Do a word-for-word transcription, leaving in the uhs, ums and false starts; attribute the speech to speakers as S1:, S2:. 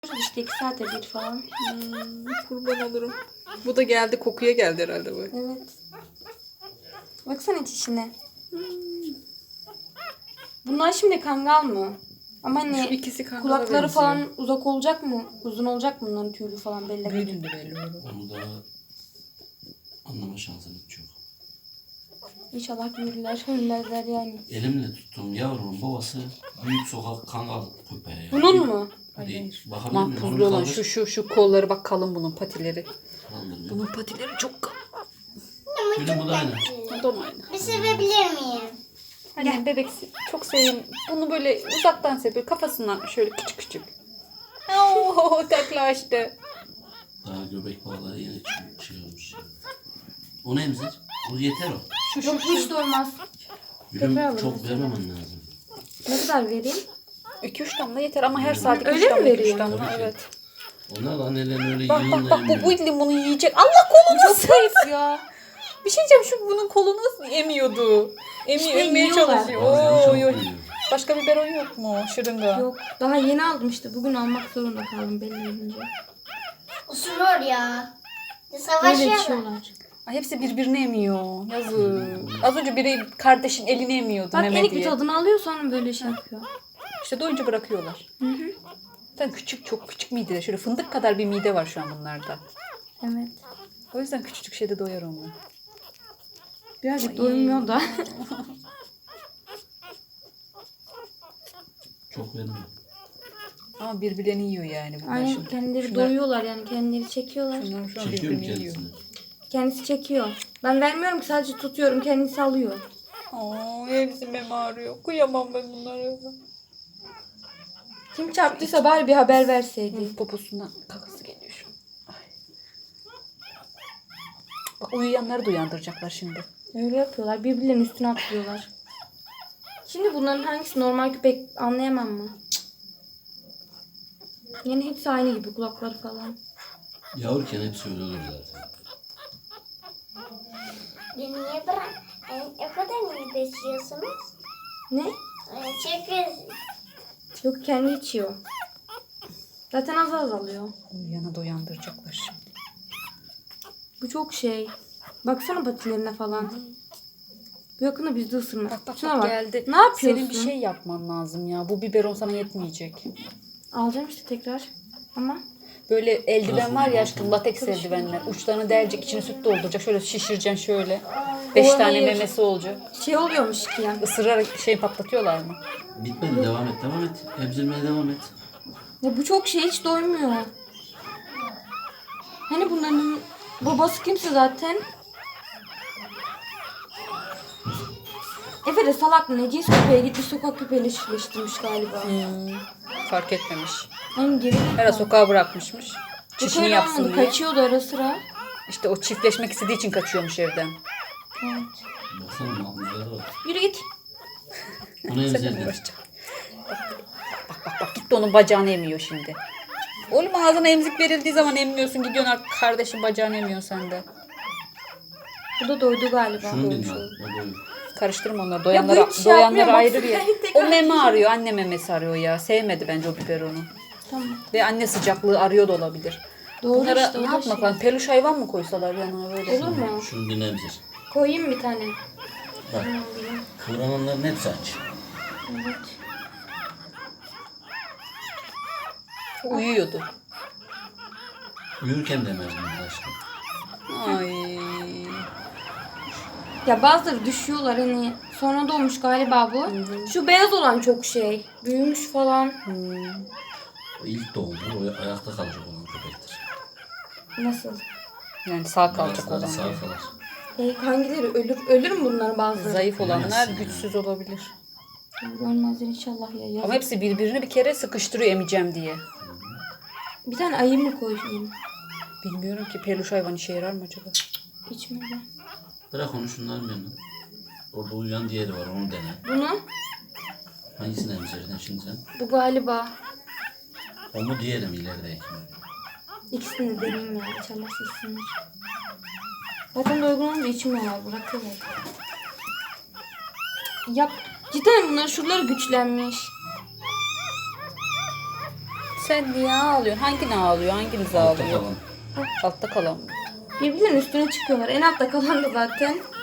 S1: İşte iki saate bir falan.
S2: Hmm, kurban olurum. Bu da geldi, kokuya geldi herhalde bu.
S1: Evet. Baksana çişine.
S2: Hmm.
S1: Bunlar şimdi kangal mı? Ama
S2: Şu
S1: hani
S2: ikisi kangala
S1: kulakları
S2: benziyor.
S1: falan uzak olacak mı? Uzun olacak mı bunların tüylü falan belli.
S2: Büyüdüğünde belli olur.
S3: Onu da anlama şansınız çok.
S1: İnşallah büyürler, ölmezler yani.
S3: Elimle tuttum yavrumun babası büyük sokak kangal köpeği. Yani.
S1: Bunun mu?
S3: Hadi
S2: Hayır.
S3: bakabilir miyim?
S2: Mahpuzlu
S3: Onu
S2: olan
S3: kaldır.
S2: şu şu şu kolları bak, kalın bunun patileri.
S3: Kaldırmıyor.
S2: Bunun patileri çok kalın.
S3: Gülüm bu da aynı.
S2: O da aynı.
S4: Bir sevebilir miyim?
S2: Hadi bebek çok seveyim. Bunu böyle uzaktan seviyor. Kafasından şöyle küçük küçük. Oo, taklaştı.
S3: Daha göbek bağları yeni çıkmış, şey olmuş. O ne emzir? O yeter o.
S2: Şu şu
S1: Yok hiç doymaz.
S3: Gülüm
S1: Tekrar alırım
S3: çok
S1: mesela.
S3: vermemen lazım.
S1: Ne kadar vereyim?
S2: iki üç damla yeter ama her saat iki
S1: Öyle
S2: üç
S1: mi
S2: damla, iki üç
S1: veriyor?
S2: damla,
S3: Tabii ki.
S2: evet.
S3: Onlar da annelerin öyle
S2: Bak
S3: yığınla
S2: bak bak, bu,
S3: yemiyor.
S2: bu limonu yiyecek. Allah kolunu zayıf ya. Bir şey diyeceğim, şu bunun kolunu emiyordu. Emi,
S1: İşte
S2: emmeye
S1: yiyorlar.
S2: çalışıyor.
S3: Ağzını
S2: Oo,
S3: çabuk
S2: yok.
S3: yiyor.
S2: Başka biberon yok mu? Şırınga.
S1: Yok. Daha yeni aldım işte. Bugün almak zorunda kaldım belli olunca.
S4: Osuruyor ya.
S1: Böyle
S4: Savaşıyor.
S1: içiyorlar.
S2: Ay, hepsi birbirini emiyor. Yazık. Az önce biri kardeşin elini emiyordu
S1: Bak
S2: meme
S1: enik bir
S2: diye.
S1: tadını alıyor sonra böyle şey yapıyor.
S2: İşte doyunca bırakıyorlar.
S1: Hı hı.
S2: Zaten küçük, çok küçük mide. Şöyle fındık kadar bir mide var şu an bunlarda.
S1: Evet.
S2: O yüzden küçücük şeyde doyar onlar.
S1: Birazcık doymuyor da.
S3: Çok vermiyor.
S2: Ama birbirlerini yiyor yani bunlar
S1: Aynen
S2: şimdi.
S1: kendileri
S2: Şunlar-
S1: doyuyorlar yani kendileri çekiyorlar.
S2: Şunlar şu an
S3: Çekiyor mu
S2: birbirini yiyor.
S3: kendisini?
S1: Kendisi çekiyor. Ben vermiyorum ki sadece tutuyorum kendisi alıyor.
S2: Aa, hepsi meme ağrıyor. Kıyamam ben bunlara.
S1: Kim çarptıysa bari bir haber verseydi.
S2: Poposundan kakası geliyor şu an. Ay. Bak, uyuyanları da uyandıracaklar şimdi.
S1: Öyle yapıyorlar. Birbirlerinin üstüne atlıyorlar. Şimdi bunların hangisi normal köpek anlayamam mı? Cık. Yani hepsi aynı gibi kulakları falan.
S3: Yavruken hepsi öyle olur zaten.
S4: Niye bırak? Yani o kadar niye besliyorsunuz?
S1: Ne?
S4: Ee, Çünkü
S1: Yok kendi içiyor. Zaten az az alıyor.
S2: Uyuyana da uyandıracaklar şimdi.
S1: Bu çok şey. Baksana patilerine falan. Bu yakında bizde ısırma.
S2: Bak bak,
S1: Şuna
S2: bak
S1: bak.
S2: geldi.
S1: Ne yapıyorsun?
S2: Senin bir şey yapman lazım ya. Bu biberon sana yetmeyecek.
S1: Alacağım işte tekrar. Ama
S2: Böyle eldiven var ya aşkım, lateks eldivenler. Uçlarını delecek, içine süt dolduracak. Şöyle şişireceksin şöyle. Beş
S1: O
S2: tane
S1: hayır.
S2: memesi olacak.
S1: şey oluyormuş ki ya.
S2: Isırarak şey patlatıyorlar mı?
S3: Bitmedi, devam et, devam et. Emzirmeye devam et.
S1: Ya bu çok şey hiç doymuyor. Hani bunların babası kimse zaten. Efe de salak mı ne cins köpeğe gitmiş sokak köpeğiyle çiftleştirmiş galiba.
S2: Hmm, fark etmemiş.
S1: Hani geri
S2: Her sokağa bırakmışmış.
S1: Çişini
S2: Çişini yapsın diye.
S1: Kaçıyordu ara sıra.
S2: İşte o çiftleşmek istediği için kaçıyormuş evden.
S1: Evet.
S3: Baksana mahmuzlara bak.
S1: Yürü git.
S3: Bunu
S2: Seninle
S3: emzirdin.
S2: uğraşacak. Bak bak bak, bak gitti onun bacağını emiyor şimdi. Oğlum, ağzına emzik verildiği zaman emmiyorsun, gidiyorsun kardeşin bacağını emiyorsun sen de.
S1: Bu da doydu galiba.
S3: Şunu
S2: Doymuş
S3: dinle.
S2: oldu.
S3: O boyu.
S2: Karıştırma onları.
S1: Ya
S2: Doyanları,
S1: bu hiç şey yapmıyor,
S2: doyanları ayrı
S1: baksana.
S2: bir yer.
S1: Tekrar
S2: O meme arıyor. Anne memesi arıyor ya. Sevmedi bence o biberonu.
S1: Tamam.
S2: Ve anne sıcaklığı arıyor da olabilir.
S1: Doğru
S2: Bunlara
S1: işte, o
S2: ne
S1: da
S2: yapmak
S1: şey.
S2: lazım? Peluş hayvan mı koysalar yanına böyle?
S1: Olur mu?
S3: Şunu bir emzir.
S1: Koyayım bir tane.
S3: Bak. Kıvrananların hepsi aç.
S1: Evet.
S2: Uyuyordu.
S3: Uyurken de emzirmez aşkım.
S2: Ay.
S1: Ya bazıları düşüyorlar hani. Sonra doğmuş galiba bu. Şu beyaz olan çok şey. Büyümüş falan.
S2: Hmm.
S3: O ilk doğumlu, o ayakta kalacak olan köpektir.
S1: Nasıl?
S2: Yani sağ kalacak
S3: Bazıları
S2: olan.
S3: sağ
S2: diyor.
S3: kalır.
S1: E, hangileri ölür? Ölür mü bunlar bazıları?
S2: Zayıf olanlar
S3: Bilemezsin
S2: güçsüz olabilir.
S1: Ölmezler inşallah ya. ya.
S2: Ama hepsi birbirini bir kere sıkıştırıyor emeceğim diye.
S1: Bir tane ayı mı koyayım?
S2: Bilmiyorum ki peluş hayvan işe yarar mı acaba?
S1: İçmedi.
S3: Bırak onu şunların yanına. Orada uyuyan diğeri var, onu dene.
S1: Bunu?
S3: Hangisini emzirdin şimdi sen?
S1: Bu galiba.
S3: O mu diğeri mi ilerideki mi?
S1: İkisini de deneyim ya. İnşallah seçsinler. Zaten doygun olunca içmiyorlar. Bırakıyorlar. Yap. Cidden bunların şuraları güçlenmiş.
S2: sen niye ağlıyorsun? Hangini ağlıyor? Hanginiz
S3: Altta
S2: ağlıyor?
S3: kalan.
S2: Altta kalan mı?
S1: Birbirlerinin üstüne çıkıyorlar. En altta kalan da zaten.